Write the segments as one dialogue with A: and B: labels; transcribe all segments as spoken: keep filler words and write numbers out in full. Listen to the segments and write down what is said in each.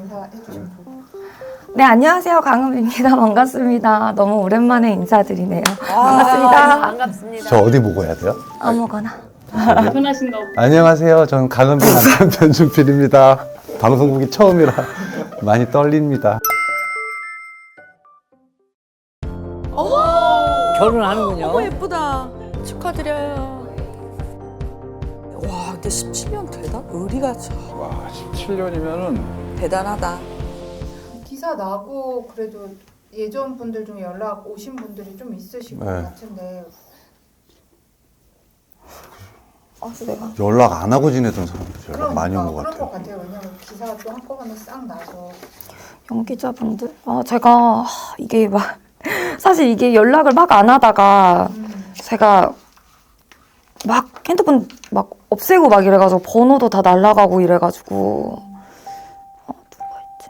A: 인사해 주시면 좋을 것 같아요.
B: 네, 안녕하세요. 강은비입니다. 반갑습니다. 너무 오랜만에 인사드리네요.
C: 아,
B: 반갑습니다.
C: 반갑습니다.
D: 저 어디 보고 해야 돼요?
B: 아무거나.
E: 편하신가 보다.
D: 안녕하세요. 저는 강은비 남편 변준필입니다. 방송국이 처음이라 많이 떨립니다.
C: 결혼하는군요.
F: 너무 예쁘다. 축하드려요. 와, 근데 십칠 년 되다? 의리가 참
G: 와, 십칠 년이면은
F: 대단하다.
A: 기사 나고 그래도 예전 분들 중에 연락 오신 분들이 좀 있으실 것
D: 네.
A: 같은데
B: 아, 내가.
D: 연락 안 하고 지내던 사람들 연락
A: 그러니까
D: 많이 온 것
A: 그런 것
D: 같아요.
A: 같아요. 왜냐면 기사가 또 한꺼번에 싹 나서
B: 연기자분들? 아, 제가 이게 막 사실 이게 연락을 막 안 하다가
A: 음.
B: 제가 막 핸드폰 막 없애고 막 이래가지고 번호도 다 날라가고 이래가지고 어, 누가 있지?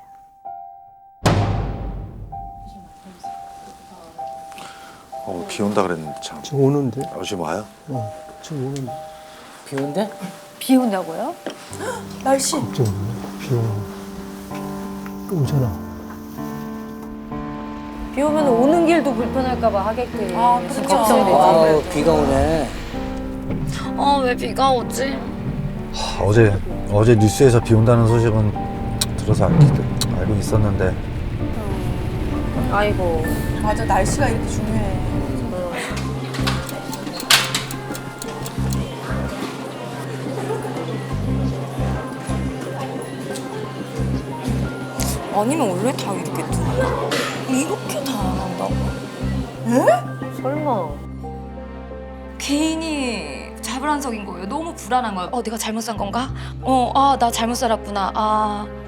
H: 어, 비 온다 그랬는데 참.
I: 지금 오는데?
H: 어, 지금 와요?
I: 어, 지금 오는데.
C: 비 온대? 비 온다고요?
F: 날씨.
I: 갑자기 오네. 비 오는. 오잖아.
C: 비 오면 오는 길도 불편할까봐 하객들이
F: 아, 그렇죠.
C: 걱정되죠.
F: 아,
C: 비가 오네.
B: 아, 왜 비가 오지?
H: 하, 어제 어제 뉴스에서 비 온다는 소식은 들어서 알, 알고 있었는데
C: 아이고.
F: 맞아, 날씨가 이렇게 중요해.
B: 아니면 원래 다 이렇게 뜨나? 이렇게 다 안 한다고?
C: 설마.
B: 개인이 자불안석인 거예요. 너무 불안한 거예요. 어, 내가 잘못 산 건가? 어, 아, 나 잘못 살았구나. 아,